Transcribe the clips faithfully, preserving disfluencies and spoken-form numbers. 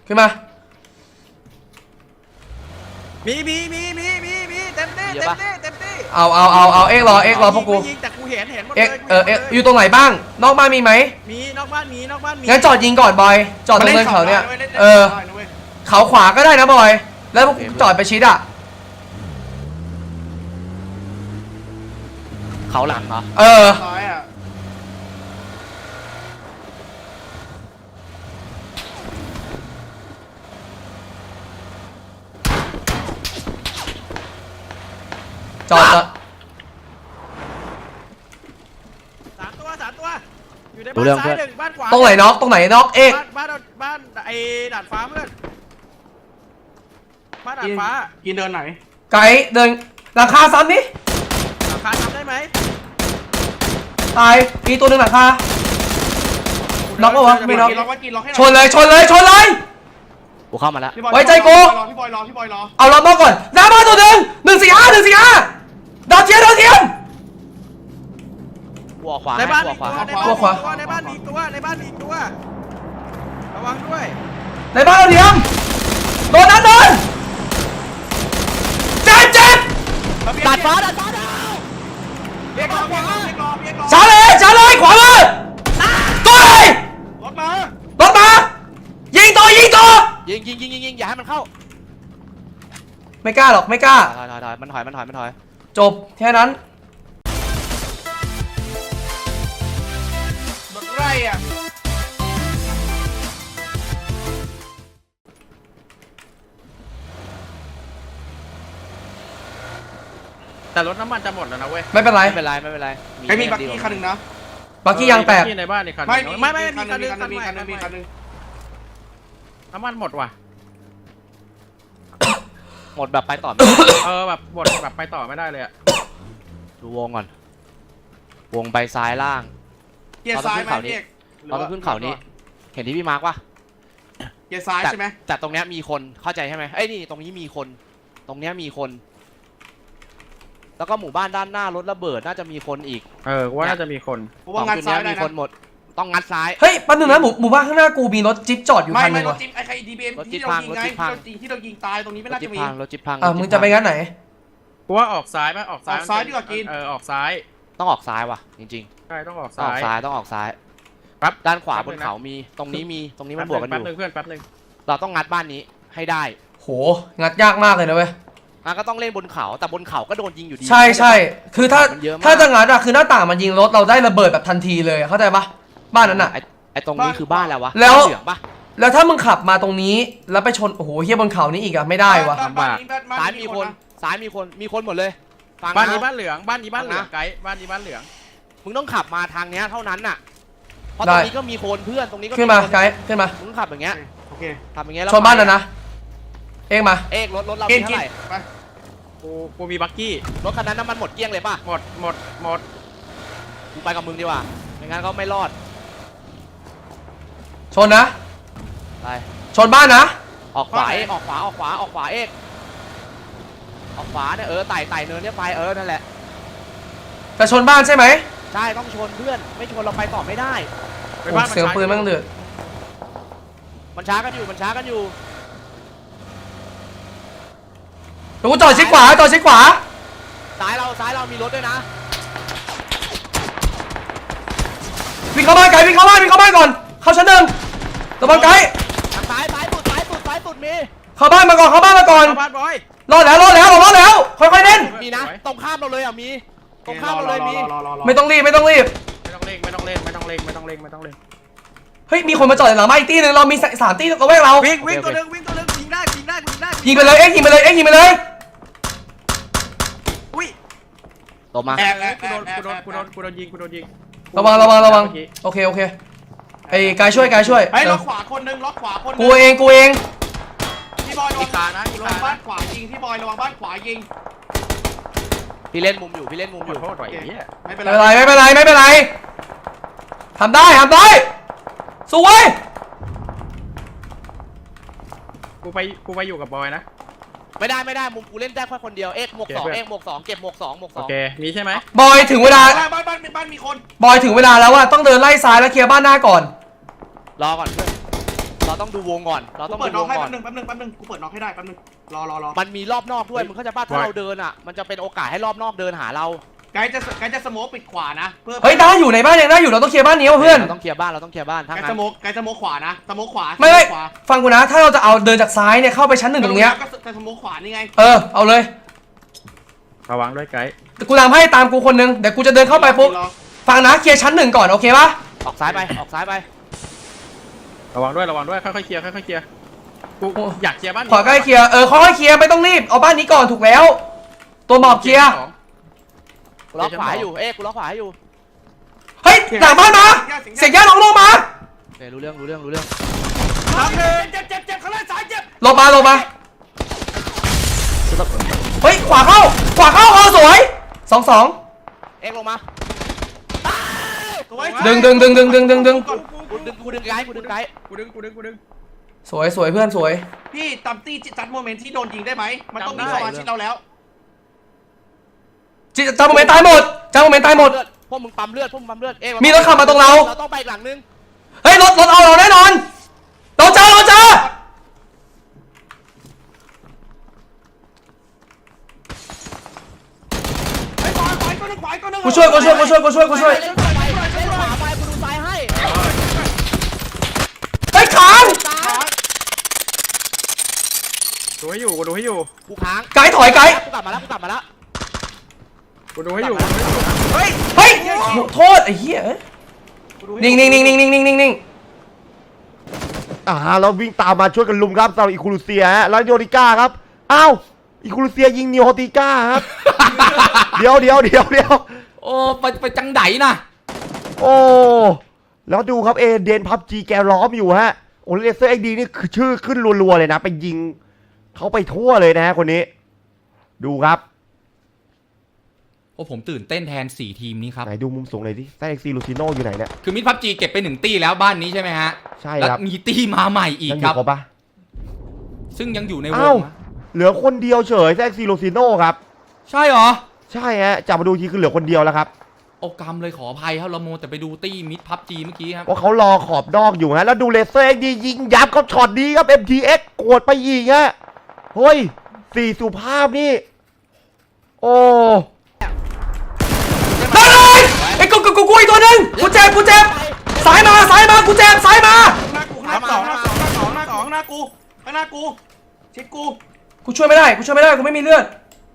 ขึ้นมามีมีมีมีมีมีเต็มที่เต็มที่เต็มที่เอาเอาเอาเอาเอ็กรอเอ็กรอพวกกูยิงแต่กูเห็นเห็นหมดเลเอ็กยเออเอ็กอยู่ตรงไหนบ้างนอกบ้านมีไหมมีนอกบ้านมีนอกบ้านมีงั้นจอดยิงก่อนบอยจอดตรงเนินเขาเนี่ยเออเขาขวาก็ได้นะบอยแล้วพวกจอดไปชิดอ่ะเขาหลังเหรอเออจอดจอดสามตัวสามตัวอยู่ในบ้านซ้ายหนึ่งบ้านขวาตรงไหนน็อกตรงไหนน็อกเอ็กบ้านบ้านไอ้ดาดฟ้าเพื่อนบ้านดาดฟ้ากินเดินไหนไกด์เดินหลังคาซ้ำนี่หลังคาทำได้ไหมตายมีตัวหนึ่งหลังคาน็อกปะวะไม่น็อกชนเลยชนเลยชนเลยกูเข้ามาแล้วไว้ใจกูพี่บอยรอพี่บอยรอเอาล็อกนอกก่อนหน้าบ้านตัวหนึ่งหนึ่งสี่ห้าหนึ่งสี่ห้าดาวเทียมดาวเทียมหัวขวาในบ้านมีขวาตัวในบ้านในบ้านมีตัวในบ้านมีตัวระวังด้วยในบ้านดาวเทียมโดนนั้นโดนเจ็บเจ็บดาดฟ้าดาดฟ้าดาวเรียกรอเรียกรอเรียกรอเรียกรอช้าเลยช้าเลยขวามือตัวเลยรถมารถมายิงตัวยิงตัวยิงยิงยิงยิงยิงอย่าให้มันเข้าไม่กล้าหรอกไม่กล้าถอยถอยถอยมันถอยมันถอยมันถอยจบแค่นั้นรถไร่อะแต่รถน้ำมันจะหมดแล้วนะเว้ยไม่เป็นไรไม่เป็นไรไม่เป็นไรใครมีบักกี้คันหนึ่งนะบักกี้ยังแตกในบ้านในคันไม่ไม่ไม่มีคันหนึ่งคันหนึ่งมีคันหนึ่งมีคันหนึ่งน้ำมันหมดว่ะหมดแบบไปต่อเออแบบหมดแบบไปต่อไม่ได้เลยอะดูวงก่อนวงไปซ้ายล่างเกียร์ซ้ายไหมเอกเราต้องขึ้นเขานี้เห็นที่พี่มาร์กป่ะเกียร์ซ้ายใช่ไหมแต่ตรงเนี้ยมีคนเข้าใจใช่ไหมเอ้ยนี่ตรงนี้มีคนตรงเนี้ยมีคนแล้วก็หมู่บ้านด้านหน้ารถระเบิดน่าจะมีคนอีกเออว่าน่าจะมีคนเพราะว่างัดซ้ายมีคนหมดต้องงัดซ้ายเฮ้ยแป๊บนึงนะหมู่หมู่บ้านข้างหน้ากูมีรถจิ๊บจอดอยู่คันนึงว่ะไม่รถจิ๊บไอ้ใครดีบีเอ็มที่เรายิงไงที่เรายิงตายตรงนี้ไม่น่าจะมีรถจิ๊บพังอ่ะมึงจะไปงั้นไหนกูว่าออกซ้ายไหมออกซ้ายออกซ้ายดีกว่ากินเออออกซ้ายต้องออกซ้ายว่ะจริงๆใช่ต้องออกซ้ายซ้ายต้องออกซ้ายปั๊บด้านขวาบนเขามีตรงนี้มีตรงนี้มันบวกกันอยู่แป๊บนึงเพื่อนแป๊บนึงเราต้องงัดบ้านนี้ให้ได้โหงัดยากมากเลยนะเว้ยงั้นก็ต้องเล่นบนเขาแต่บนเขาก็โดนยิงอยู่ดีใช่ใช่คือถ้าถ้าจะงัดอะคือหน้าต่างมันยิงรถเราได้ระเบิดแบบทันทีเลยเข้าใจปะบ้านนั้นอะไอตรงนี้คือบ้านแล้ววะแล้วแล้วถ้ามึงขับมาตรงนี้แล้วไปชนโอ้โหเฮียบนเขานี้อีกอะไม่ได้วะซ้ายมีคนซ้ายมีคนมีคนหมดเลยบ้านนี้บ้านเหลืองบ้านนี้บ้านเหลืองไกด์บ้านนี้บ้านเหลืองมึงต้องขับมาทางเนี้ยเท่านั้นน่ะเพราะตรงนี้ก็มีคนเพื่อนตรงนี้ก็ขึ้นมาไกด์ขึ้นมามึงขับอย่างเงี้ยโอเคขับอย่างเงี้ยชนบ้านนะนะเอ็กมาเอ็กรถรถเราเท่าไหร่กูกูมีบักกี้รถคันนั้นน้ำมันหมดเกลี้ยงเลยป่ะหมดหมดหมดกูไปกับมึงดีกว่าไม่งั้นก็ไม่รอดชนนะไปชนบ้านนะออกขวาเอกออกขวาออกขวาออกขวาเอกออกขวาเนี่ยเออไต่ไต่เนินเนี่ยไปเออนั่นแหละจะชนบ้านใช่ไหมใช่ต้องชนเพื่อนไม่ชนเราไปต่อไม่ได้เสียงปืนมั่งเดือดมันช้ากันอยู่มันช้ากันอยู่ดูจอดชิดขวาจอดชิดขวาซ้ายเราซ้ายเรามีรถด้วยนะวิ่งเข้าบ้านไกลวิ่งเข้าบ้านวิ่งเข้าบ้านก่อนเข้าชั้นหนึ่งระวังไกลซ้ายซ้ายสุดซ้ายสุดซ้ายสุดมีเข้าบ้านมาก่อนเข้าบ้านมาก่อนรอดแล้วรอดแล้วรอดแล้วค่อยๆเล่นมีนะตรงข้ามเราเลยอ่ะมีตรงข้ามเราเลยมีไม่ต้องรีบไม่ต้องรีบไม่ต้องเล่งไม่ต้องเล่นไม่ต้องเล่งไม่ต้องเล่งไม่ต้องเล่งเฮ้ยมีคนมาจอดหลังบ้านอีกตีนึงเรามีสามตีตัวแวกเราวิ่งวิ่งตัวนึงวิ่งตัวนึงยิงได้ยิงได้ยิงได้ยิงไปเลยเอ็กยิงไปเลยเอ็กยิงไปเลยอุ้ยตบมากูโดนกูโดนกูโดนกูโดนยิงกูโดนยิงระวังระวังระวังโอเคโอเคไอ้กายช่วยกายช่วยไอ้ล็อกขวาคนนึงล็อกขวาคนกูเองกูเองพี่บอยระวังขานะระวังบ้านขวายิงพี่บอยระวังบ้านขวายิงพี่เล่นมุมอยู่พี่เล่นมุมอยู่ไม่เป็นไรไม่เป็นไรไม่เป็นไรทำได้ทำได้สวยกูไปกูไปอยู่กับบอยนะไม่ได้ไม่ได้มุมกูเล่นได้แค่คนเดียวเอ็กหมวกสองเอ็กหมวกสองเก็บหมวกสองหมวกสองโอเคนี้ใช่ไหมบอยถึงเวลาบ้านบ้านบ้านมีคนบอยถึงเวลาแล้วว่าต้องเดินไล่ซ้ายแล้วเคลียร์บ้านหน้าก่อนรอก่อนเพื่อนเราต้องดูวงก่อนเรากูต้องเปิดูดน็อกวงให้ก่อแป๊นบนึงแป๊บนึงแป๊บนึงกูเปิดน็อกให้ได้แป๊บนึงรอรอรอมันมีรอบนอกด้วยมึงเข้าใจป่ะถ้าเราเดินอ่ะมันจะเป็นโอกาสให้รอบนอกเดินหาเราไกด์จะไกด์จะสโมกปิดขวานะเพื่อเฮ้ยได้อยู่ในบ้านยังได้อยู่เราต้องเคลียร์บ้านนี้ว่ะเพื่อนเราต้องเคลียร์บ้านเราต้องเคลียร์บ้านทั้งไกด์นั้สนโมกไกด์สโมกขวานะสโมกขวาไม่ไม่ขวาฟังกูนะ ถ้าเราจะเอาเดินจากซ้ายเนี่ยเข้าไปชั้นหนึ่งตรงเนี้ยก็จะสโมกขวานี่ไงเออเอาเลยระวังด้วยไกด์กูตามให้ตามกูคนนึงเดี๋ยวกูจะเดินเข้าไปปุ๊บรอฟังนะเคลียร์ชั้นหนึ่งก่อนโอเคปะออกซ้ายไปออกซ้ายไประวังด้วยระวังด้วยค่อยๆเคลียร์ค่อยๆเคลียร์กูอยากเคลียร์บ้านนี้ขอใกล้เคลียร์เออค่อยๆเคลียร์ไม่ต้องรีบเอาบ้านนี้ก่อนถูกแล้ว ตัวหมอบเคลียร์กูล็อกขวาให้อยู่เอ๊ะกูล็อกขวาให้อยู่เฮ้ยหลังบ้านมาเสียงย่าลงลงมาโอเครู้เรื่องรู้เรื่องรู้เรื่องน้องหนึ่งเจ็บเจ็บเจ็บข้างล่างซ้ายเจ็บลงมาลงมาเฮ้ยขวาเข้าขวาเข้าเออสวยสองสองเอ๊ะลงมาสวยดึงดึงดึงดึงดึงดึงดึงกูดึงกูดึงไกด์กูดึงไกด์กูดึงกูดึงกูดึงสวยสวยเพื่อนสวยพี่ตามตี้จัดโมเมนต์ที่โดนยิงได้ไหมมันต้องมีสมาชิกเราแล้วจิจำโมเมนต์ตายหมดจำโมเมนต์ตายหมดเลือพวกมึงปั๊มเลือดพวกมึงปั๊มเลือดเอ๊ะมีรถขับมาตรงเราเราต้องไปอีกหลังนึงเฮ้ยรถรถเอาเราแน่นอนเราเจอเราเจอไอ้บอยขวาก็นึงขวาก็นึงกูช่วยกูช่วยกูช่วยกูช่วยกูช่วยเล่นขวาไปเล่นขวาไปกูดูซ้ายให้เฮ้ยค้างดูให้อยู่กูดูให้อยู่กูค้างไกด์ถอยไกด์กูกลับมาแล้วกูกลับมาแล้วกูดูให้อยู่เฮ้ยเฮ้ยโทษไอ้เหี้ยเอ้ยนิ่งนิ่งนิ่งนิ่งนิ่งนิ่งนิ่งนิ่งอ่าเราวิ่งตามมาช่วยกันลุมครับสำหรับอีคูลูเซียฮะแล้วโยริก้าครับอ้าวอีคูลูเซียยิงนิโอติก้าครับ เดี๋ยวเดี๋ยวเดี๋ยวเดี๋ยวโอ้ไปไปจังไดนะโอ้แล้วดูครับเอเดนพับจีแกล้อมอยู่ฮะโอเลเซอร์เอ็กดีนี่คือชื่อขึ้นรัวๆเลยนะไปยิงเขาไปทั่วเลยนะฮะคนนี้ ดูครับโอ้ผมตื่นเต้นแทนสี่ทีมนี้ครับไหนดูมุมสูงหน่อยดิแซนเอ็กซีลูซิโนอยู่ไหนเนี่ยคือมิดพับจีเก็บไปหนึ่งตี้แล้วบ้านนี้ใช่ไหมฮะใช่แล้วครับมีตี้มาใหม่อีกยังอครัยู่บครบปะซึ่งยังอยู่ในวอ้าวงนะเหลือคนเดียวเฉยแซนเอ็กซีลูซิโนครับใช่เหรอใช่ฮะจับมาดูทีคือเหลือคนเดียวแล้วครับโอกรรมเลยขออภัยครับเราโมวแต่ไปดูตี้มิดพับจีเมื่อกี้ครับว่าเขารอขอบนอกอยู่ฮะแล้วดูเลเซอร์เอ็กดียิงยับเขาช็อตดีครับ เอ็ม ที เอ็กซ์ โกรธไปอีกฮะเฮ้ยสี่สุภาพนี่โอ้ได้เลยไอ้กูกูกูกูอีกตัวหนึ่งกูเจ็บกูเจ็บสายมาสายมากูเจ็บสายมาหน้ากูหน้าสองหน้าสองหน้าสองหน้าสองหน้ากูข้างหน้ากูชิดกูกูช่วยไม่ได้กูช่วยไม่ได้กูไม่มีเลือด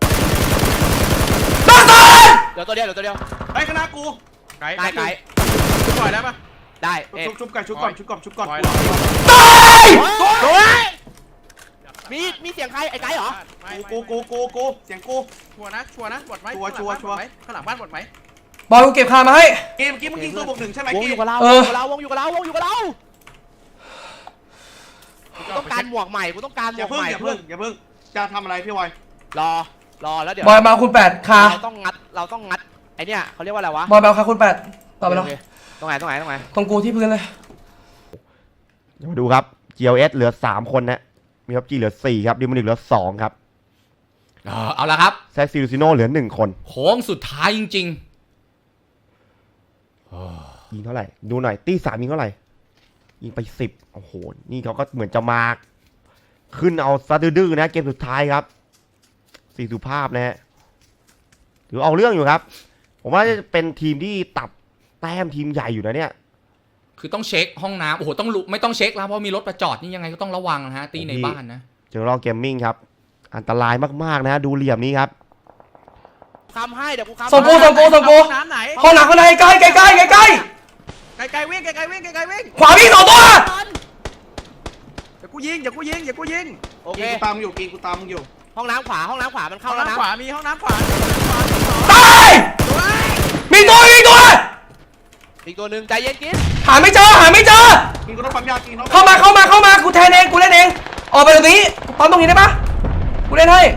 บ้าตายเดี๋ยวตัวเดียวเดี๋ยวตัวเดียวไอ้ข้างหน้ากูไกด์ไกด์ไกด์กูปล่อยได้ปะได้เอ๊ะชุบชุบกันชุบก่อนชุบก่อนชุบก่อนปล่อยตายมีมีเสียงใครไอ้ไกด์เหรอไม่กูกูกูกูกูเสียงกูชัวร์นะชัวร์นะหมดไหมชัวร์ชัวร์ชัวร์ข้างหลังบ้านหมดไหมบอยกูเก็บคามาให้เกมเมื่อกี้มึงยิงตัวบวกหนึ่งใช่ไหมวงกีอยู่กับเราเอวงออยู่กับเราวงอยู่กับเราวงอยู่กับเรากูต้องการหมวกใหม่กูต้องการหมอย่าวกเพิ่งใหม่อย่าเพิ่งอย่าเพิ่งจะทำอะไรพี่วอยรอรอแล้วเดี๋ยวบอยมาคุณแปดคาเราต้องงัดเราต้องงัดไอเนี่ยเขาเรียกว่าอะไรวะบอยมาคาคุณแปดต่อไปแล้วโอเคตรงไหนตรงไหนตรงไหนตรงกูที่พื้นเลยเดี๋ยวมาดูครับ จี แอล เอส เหลือสามคนนะมีครับจีเหลือสี่ครับดิมอนิกเหลือสองครับเออเอาละครับแซกซิลูซิโนเหลือหนึ่งคนโค้งสุดท้ายจริงยิงเท่าไหร่ดูหน่อยตีสามยิงเท่าไหร่ยิงไปสิบโอ้โหนี่เขาก็เหมือนจะมาขึ้นเอาซะดื้อๆนะเกมสุดท้ายครับสี่สุภาพนะฮะถือเอาเรื่องอยู่ครับ ผมว่าจะเป็นทีมที่ตัดแต้มทีมใหญ่อยู่นะเนี่ยๆ คือต้องเช็คห้องน้ำโอ้โหต้องลุไม่ต้องเช็คแล้วเพราะมีรถประจอดนี่ยังไงก็ต้องระวังนะฮะตีในบ้านนะเจอรอเกมมิ่งครับอันตรายมากๆนะดูเหลี่ยมนี้ครับคำให้เดี๋ยวกูคำส่งกูส่งกูส่งกูน้ำไหนห้องหนักข้างในใกล้ใกล้ใกล้ใกล้ใกล้ไกลไกลวิ่งไกลไกลวิ่งไกลไกลวิ่งขวาวิ่งสองตัวเดี๋ยวกูยิงเดี๋ยวกูยิงเดี๋ยวกูยิงโอเคกีกูตามมึงอยู่กีกูตามมึงอยู่ห้องน้ำขวาห้องน้ำขวามันห้เข้าองแล้วนะน้ำขวามีห้องน้ำขวาตายมีตัวมีตัวอีกตัวหนึ่งใจเย็นกินหาไม่เจอหาไม่เจอกีกูต้องปั๊มยากีน้องเข้ามาเข้ามาเข้ามากูแทนเองกูเล่นเองออกไปตรงนี้ปั๊มตรงนี้ได้ปะกูเล่นให้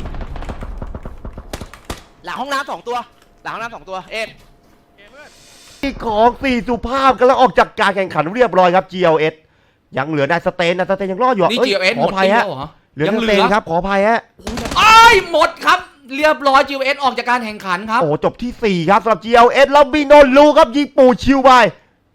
หลังห้องน้ำสองตัวหลังห้องน้ำสองตัวเอ็ดที่ของสี่สุภาพกำลังออกจากการแข่งขันเรียบร้อยครับ จี แอล เอส ยังเหลือนายสเตนนายสเตนยังรอดอยู่นี่อ้ยจีเอสขหอมดอภัยตีแล้ฮะวเหรอเหลือยังสเหเตลืนอครับขออภัยฮะไอ้ายหมดครับ เรียบร้อยจีเอสออกจากการแข่งขันครับโอ้จบที่สี่ครับสำหรับ จี แอล เอส แล้วบิโนลูครับยิงปูชิวไป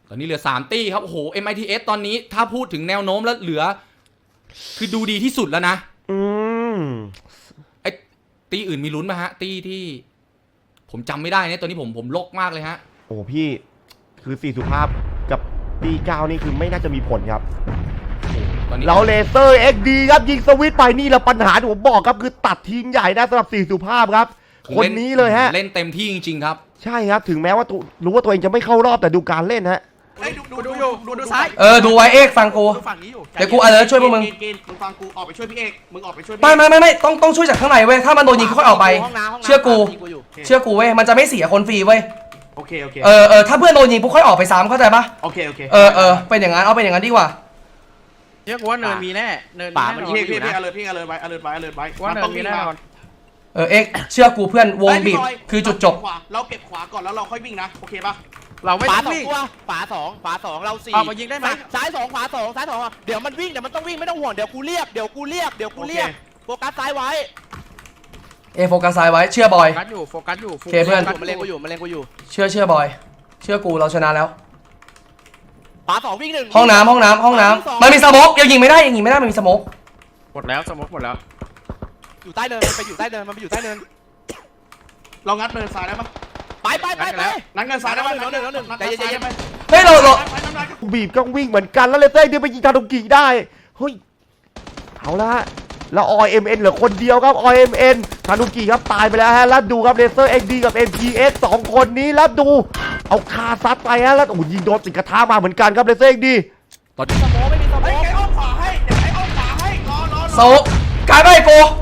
ตอนนี้เหลือสามตี้ครับโอ้โห เอ็ม ไอ ที เอส ตอนนี้ถ้าพูดถึงแนวโน้มแล้วเหลือ คือดูดีที่สุดแล้วนะอืมไอ้ตีอื่นมีลุ้นไหมฮะ ตีที่ ผมจำไม่ได้เนี่ยตอนนี้ผมผมโลกมากเลยฮะโอ้พี่คือสี่สุภาพกับตีเก้านี่คือไม่น่าจะมีผลครับตอนนี้เราเลเซอร์ เอ็กซ์ ดี ครับยิงสวิตช์ไปนี่แหละปัญหาที่ผมบอกครับคือตัดทิ้งใหญ่ได้สำหรับสี่สุภาพครับ คนนี้เลยฮะเล่นเต็มที่จริงๆครับใช่ครับถึงแม้ว่าตัวรู้ว่าตัวเองจะไม่เข้ารอบแต่ดูการเล่นฮะเฮ้ยดูดูดูดูอยู่ดูดูซ้ายเออดูไว้เอกฟังกูดูฝั่งนี้อยู่เดี๋ยวกูอะไรช่วยพวกมึงกินกินมึงฟังกูออกไปช่วยพี่เอกมึงออกไปช่วยพี่ไม่ไม่ไม่ไม่ต้องต้องช่วยจากข้างในเว้ยถ้ามันโดนยิงค่อยออกไปห้องน้ำห้องน้ำเชื่อกูยิงอยู่เชื่อกูเว้ยมันจะไม่เสียคนฟรีเว้ยโอเคโอเคเออเออถ้าเพื่อนโดนยิงปุ๊บค่อยออกไปซ้ำเข้าใจปะโอเคโอเคเออเออเป็นอย่างนั้นเอาเป็นอย่างนั้นดีกว่าเชื่อกูว่าเนินมีแน่เนินมีป่าแน่มันนอนพี่พี่พี่อเลิร์พี่อเลิร์ไว้อเลิร์ไว้อเลิร์ไว้ว่ามันเนิต้องนมีวิ่งแน่มานอนเออเอ็กเชื่อกูเพื่อนวงเฮ้ยบีบพี่บยคือจุดจบขวาเราเก็บขวาก่อนแล้วเราค่อยวิ่งนะโอเคปะเราไม่ฝาต้องสองวิ่งตัวฝาสองฝาสองเราสี่ออกมายิงได้ไหมซ้ายสองขวาสองซ้ายสองเดี๋ยวมันวิ่งเดี๋ยวมันต้องวิ่งไม่ต้องห่วงเดี๋ยวกูเรียกเดี๋ยวกูเรียกเดี๋ยวกูเรียกโฟกัสซ้ายไว้เอโฟกัสซ้ายไว้เชื่อบอยโฟกัสอยู่โฟกัสอยู่โอเคเพื่อนมันเล็งกูอยู่มันเล็งกูอยู่เชื่อเชื่อบอย เชื่อกูเราชนะแล้วฝาสองวิ่งหนึ่งห้องน้ำห้องน้ำห้องน้ำมันมีสโมกยังยิงไม่ได้ยังยิงไม่ได้มันมีสโมกหมดแล้วสมมติหมดแล้วอยู่ใต้เนินมันไปอยู่ใต้เนินมันไปอยู่ใต้เนินเรางัดเนินซ้ายได้ปะไปไปไปไปนัดเนินซ้ายได้ปะน้องหนึ่งน้องหนึ่งนัดใจเนินเย็ซ้ายนได้ๆไหมเฮ้ยเราเราไปน้ำลายบีบก็วิ่งเหมือนกันแล้วเลเซอร์เดียวไปยิงทาดุกิได้เฮ้ยเอาละฮะแล้วออยเอ็มเอ็นเหลือคนเดียวครับออยเอ็มเอ็นทาดุกิครับตายไปแล้วฮะแล้วดูครับเลเซอร์เอ็กดีกับ เอ็ม พี เอส สองคนนี้แล้วดูเอาคาซัดไปฮะแล้วโอ้โหยิงโดนติดกระทะมาเหมือนกันครับเลเซอร์เอ็กดีตอนนี้สโมไม่มีสโมเฮ้ยไก่อ้อมขวาให้เดี๋ยวไก่อ้อมขวาให้รอรอรอโซกกายไปโก